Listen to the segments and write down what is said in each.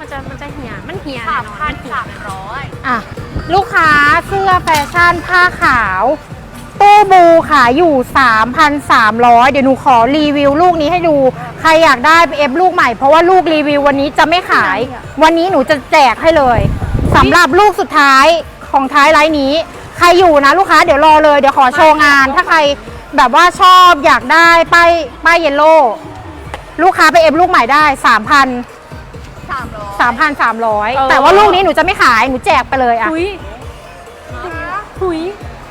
มันจะเหี่ยมันเหี่ย 3,300อ่ะลูกค้าเสื้อแฟชั่นผ้าขาวตู้บูขายอยู่ 3,300 เดี๋ยวหนูขอรีวิวลูกนี้ให้ดูใครอยากได้ไปเอฟลูกใหม่เพราะว่าลูกรีวิววันนี้จะไม่ขายวันนี้หนูจะแจกให้เลยสำหรับลูกสุดท้ายของท้ายไลน์นี้ใครอยู่นะลูกค้าเดี๋ยวรอเลยเดี๋ยวขอโชว์งานถ้าใครแบบว่าชอบอยากได้ป้ายเยลโล่ลูกค้าไปเอฟลูกใหม่ได้ 3,300 แต่ว่าลูกนี้หนูจะไม่ขายหนูแจกไปเลยอ่ะหุย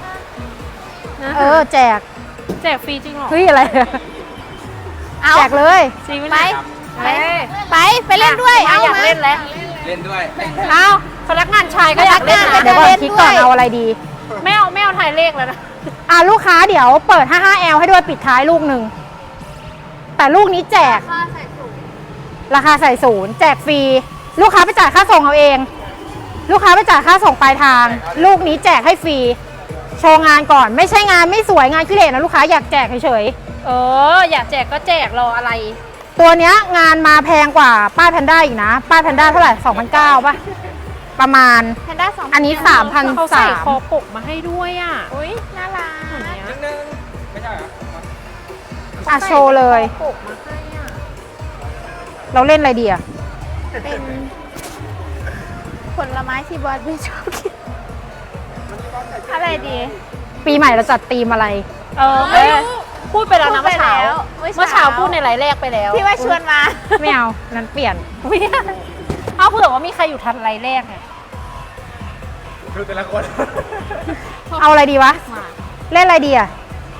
แจกฟรีจริงเหรอเฮ้ยอะไรแจกเลยจริงไหมไปเล่นด้วยเอาอยากเล่นแล้วเล่นด้วยเอาพนักงานชายก็อยากเล่นนะเดี๋ยวก่อนคิดก่อนเอาอะไรดีไม่เอาถ่ายเลขแล้วนะลูกค้าเดี๋ยวเปิด 55L ให้ด้วยปิดท้ายลูกหนึ่งแต่ลูกนี้แจกราคาใส่ศูนย์แจกฟรีลูกค้าไปจ่ายค่าส่งเอาเอง ลูกค้าไปจ่ายค่าส่งปลายทาง ลูกนี้แจกให้ฟรีโชว์งานก่อนไม่ใช่งานไม่สวยงานขี้เหร่นะลูกค้าอยากแจกเฉยอยากแจกก็แจกรออะไรๆตัวเนี้ยงานมาแพงกว่าป้ายแพนด้าอีกนะป้ายแพนด้าเท่าไหร่ 2,900 ป่ะประมาณแพนด้า2,000 อันนี้เขาใส่คอ 3,300 ปกมาให้ด้วยอ่ะอุ้ยน่ารักนึงไม่ใช่เหรอโชว์เลยปกมาให้อ่ะเราเล่นอะไรดีอะเป็นผลไม้ที่บอสไม่ชอบกินอะไรดีปีใหม่เราจัดธีมอะไรไม่พูดไปแล้วนะเมื่อเช้าเมื่เมื่ออเช้าเช้าพูดในไลฟ์แรกไปแล้วที่ว่าชวนมาไม่เอานั้นเปลี่ยนเอาเผื่อว่ามีใครอยู่ทันไลฟ์แรกไงดูแต่ละคนเอาอะไรดีวะ เล่นอะไรดีอะ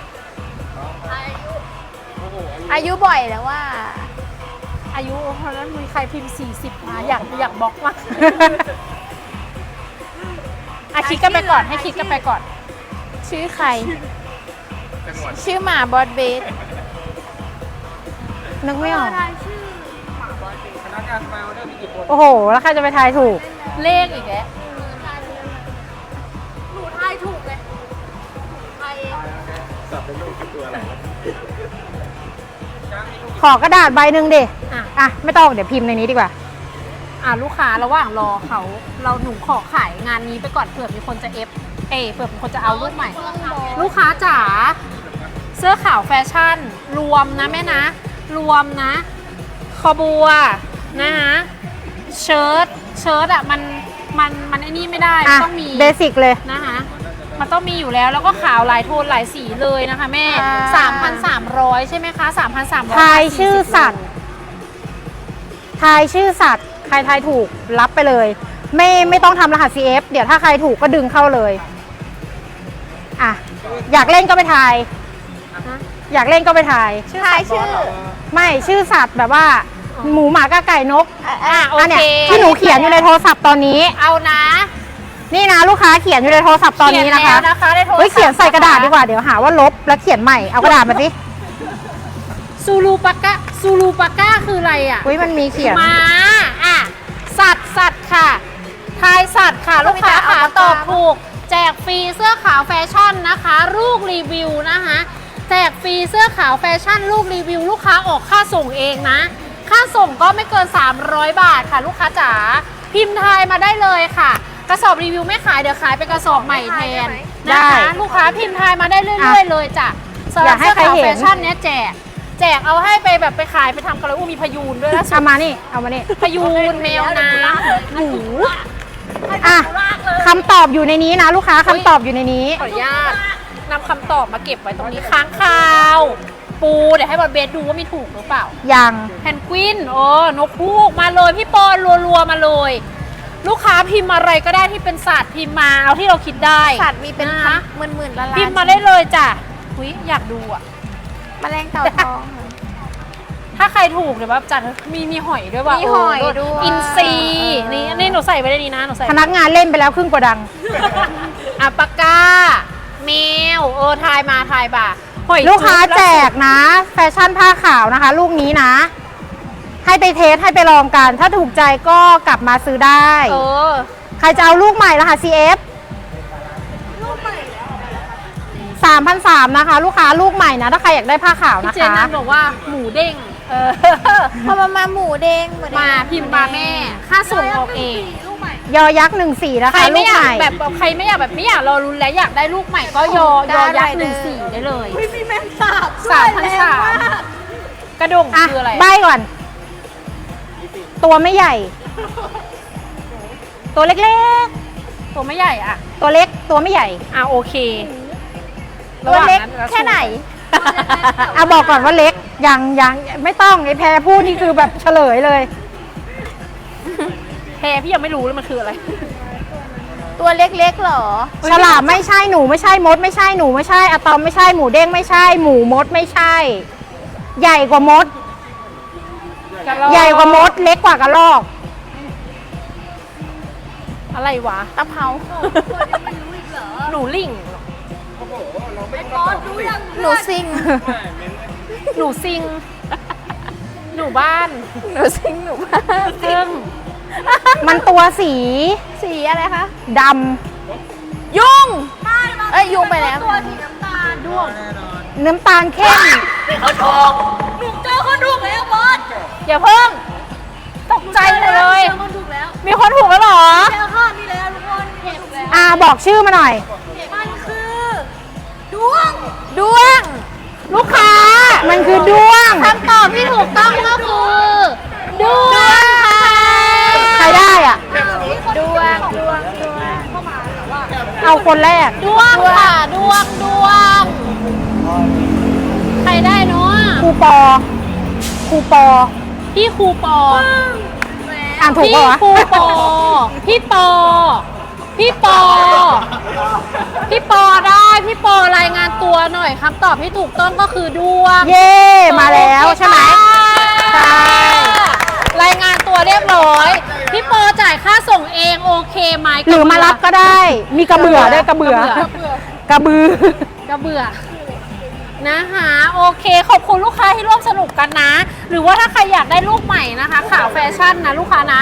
อายุบ่อยแล้วว่าอายุเพราะนั้นมีใครพิมพ์40มาอยากบล็อกมากคิดกันไปก่อนให้คิดกันไปก่อนชื่อใคร ชื่อหมาบอสเบสนึกไม่ออกพนักงานมาออเดอร์มีกี่คนโอ้โห แล้วใครจะไปทายถูกเลขอีกแล้วหนูทายถูกเลยทายเองสับเป็นลูกคือตัวอะไรขอกระดาษใบหนึ่งดิไม่ต้องเดี๋ยวพิมพ์ในนี้ดีกว่าลูกค้าระหว่างรอเขาหนูขอขายงานนี้ไปก่อนเผื่อมีคนจะเผื่อมีคนจะเอาลูกใหม่ ลูกค้าจ๋าเสื้อขาวแฟชั่น รวมนะแม่นะ รวมนะคอบัวนะคะเชิ้ตอะมันไอ้นี่ไม่ได้ต้องมีเบสิกเลยนะคะมันต้องมีอยู่แล้วแล้วก็ขาวหลายโทนหลายสีเลยนะคะแม่ 3,300 ใช่ไหมคะ 3,300 ทายชื่อสัตว์ ทายชื่อสัตว์ ใครทายถูกรับไปเลย ไม่ต้องทำรหัส CF เดี๋ยวถ้าใครถูกก็ดึงเข้าเลยอยากเล่นก็ไปทายอยากเล่นก็ไปทายทายชื่อไม่ชื่อสัตว์แบบว่า หมูหมากาไก่นกโออันเนี้เคยที่หนูเขียนอยู่ในโทรศัพท์ตอนนี้เอานะนี่นะลูกค้าเขียนอยู่ในโทรศัพท์ตอนนี้นะคะเขียนแล้วนะคะในโทรศัพท์เฮ้ยเขียนใส่กระดาษดีกว่าเดี๋ยวหาว่าลบแล้วเขียนใหม่เอากระดาษมาสิซูลูปาก้าคืออะไรอ่ะเฮ้ยมันมีเขียนม้าสัตว์ค่ะทายสัตว์ค่ะ ลูกค้าขาตอบถูกแจกฟรีเสื้อขาวแฟชั่นนะคะลูกรีวิวนะคะแจกฟรีเสื้อขาวแฟชั่นลูกรีวิวลูกค้าออกค่าส่งเองนะค่าส่งก็ไม่เกิน300 บาทค่ะลูกค้าจ๋าพิมพ์ทายมาได้เลยค่ะกระสอบรีวิวไม่ขายเดี๋ยวขายเป็นกระสอบใหม่แทนนะคะลูกค้าพิมพ์ทายมาได้เรื่อยๆเลยจ้ะสำหรับเสื้อขาวแฟชั่นเนี้ยแจกเอาให้ไปแบบไปขายไปทำกันเลยมีพยูนด้วยนะเอามานี่พยูนแมวน้ำหมูคำตอบอยู่ในนี้นะลูกค้าคำตอบอยู่ในนี้ขออนุญาตนำคำตอบมาเก็บไว้ตรงนี้ค้างคาว ปูเดี๋ยวให้บอลเบสดูว่ามีถูกหรือเปล่ายังแพนกวินนกฮูกมาเลยพี่ปอนรัวๆมาเลย ลูกค้าพิมพ์อะไรก็ได้ที่เป็นสัตว์พิมพ์มาเอาที่เราคิดได้สัตว์มีเป็นนะคะหมื่นล้านพิมพ์มาได้เลยจ้ะอยากดูอ่ะแมลงเต่าทองถ้าใครถูกเดี๋ยวแบบจัดมีหอยด้วยว่ะมีหอยด้วยอินซีนี่หนูใส่ไว้ได้ดีนะหนูใส่พนักงานเล่นไปแล้วครึ่งกระดังปากกาแมวทายมาทายบ่าหอยลูกค้าจุ๊บแจกนะ แฟชั่นผ้าขาวนะคะ ลูกนี้นะ ให้ไปเทสให้ไปลองกัน ถ้าถูกใจก็กลับมาซื้อได้ ใครจะเอาลูกใหม่รหัส CF 3,300นะคะ ลูกค้าลูกใหม่นะถ้าใครอยากได้ผ้าขาวพี่นะเจนคะนั่นบอกว่าหมูเด้งเออพอมาหมูเด้งหมูเด้งมาพิมพ์มาแม่ ค่าส่งออกเองยอยักษ์14นะใครคะลูไม่กอยาใหกม่แบบใครไม่อยากแบบไม่อยากรอรุนแล้วอยากได้ลูกใหม่ก็ยยักษ์14ได้เลยมีแมงสาบ 3,300กระดงอ่ะคืออะไรใบก่อน ตัวไม่ใหญ่ ตัวเล็กตัวไม่ใหญ่อ่ะๆ ตัวเล็กตัวไม่ใหญ่โอเคตัวเล็กระหว่างนั้นแค่ไหนเอาบอกก่อนว่าเล็กยังไม่ต้องไอแพรพูดนี่คือแบบเฉลยเลยแพรพี่ยังไม่รู้เลยมันคืออะไรตัวเล็กๆเหรอฉลามไม่ใช่หนูไม่ใช่มดไม่ใช่หนูไม่ใช่อะตอมไม่ใช่หมูเด้งไม่ใช่หมูมดไม่ใช่ ใหญ่กว่ามด ใหญ่กว่ามด เล็กกว่ากระรอกอะไรวะตะเภาหนูลิงโอ้โห เราไม่ต้องตอบสิหนูซิงหนูซิง หนูบ้านหนูซิงหนูบ้าซึ่งมันตัวสีสีอะไรคะดยุงเอ้ยยุงไปแล้วแน่นอนำน้ำตาลเข้มอย่าเพิ่ง ตกใจเลย มีคนถูกแล้วเหรอบอกชื่อมาหน่อยด้วงลูกค้า มันคือด้วงคำตอบที่ถูกต้องก็คือด้วงค่ะใครได้อ่ะด้วงเอาคนแรกด้วงค่ะด้วง ใครได้เนาะครูปอพี่ครูปออ่านถูกพี่ปะวะครูปอ พี่ปอ พี่ปอ พี่ปอได้ พี่ปอรายงานตัวหน่อยคำตอบที่ถูกต้องก็คือด้วงเย่มาแล้วใช่ไหม ใช่รายงานตัวเรียบร้อย พี่ปอจ่ายค่าส่งเองโอเคไหมหรือมารับก็ได้ มีกระเบื่อด้วยกระเบื่อ กระบือกระเบื่อนะคะโอเคขอบคุณลูกค้าที่ร่วมสนุกกันนะ หรือว่าถ้าใครอยากได้ลูกใหม่นะคะขาวแฟชั่นนะลูกค้านะ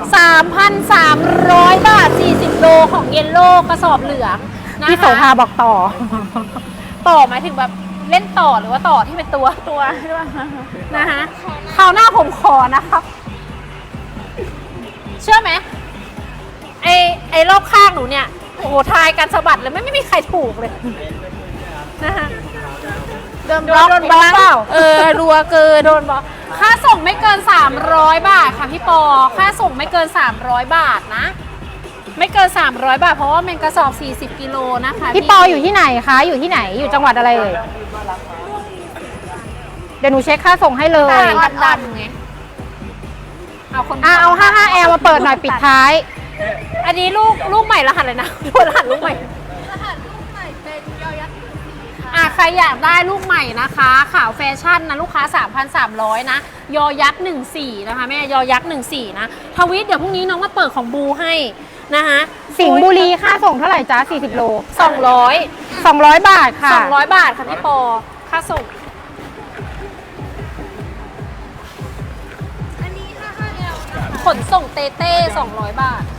3,300 บาท 40 โลของเยลโล่กระสอบเหลืองนะคะพี่โสภาบอกต่อต่อหมายถึงแบบเล่นต่อหรือว่าต่อที่เป็นตัวด้วยนะคะคราวหน้าผมขอนะครับ เชื่อไหมไอ้รอบข้างหนูเนี่ยโอ้โหทายกันสะบัดเลยไม่มีใครถูกเลยนะคะโดนบล็อกโดนบล็อกเปล่ารัวเกินโดนบอกค่าส่งไม่เกิน 300 บาทค่ะพี่ปอ ค่าส่งไม่เกิน 300 บาทนะ ไม่เกิน 300 บาทเพราะว่าเป็นกระสอบ 40 กิโลนะคะพี่ปออยู่ที่ไหนคะ อยู่ที่ไหน อยู่จังหวัดอะไรเอ่ย เดี๋ยวหนูเช็คค่าส่งให้เลยดำไงเอาคนเอา 55L มาเปิดหน่อยปิดท้ายอันนี้ลูกใหม่รหัสเลยนะรหัสลูกใหม่ใครอยากได้ลูกใหม่นะคะขาวแฟชั่นนะลูกค้า 3,300 นะ ยอยักษ์14นะคะแม่ยอยักษ์14นะทวิตเดี๋ยวพรุ่งนี้น้องมาเปิดของบูให้นะคะสิงห์บุรีค่าส่งเท่าไหร่จ๊ะ 40 โล 200 200 บาทค่ะ 200 บาทค่ะพี่ปอ ค่าส่ง ขนส่งเต้200 บาท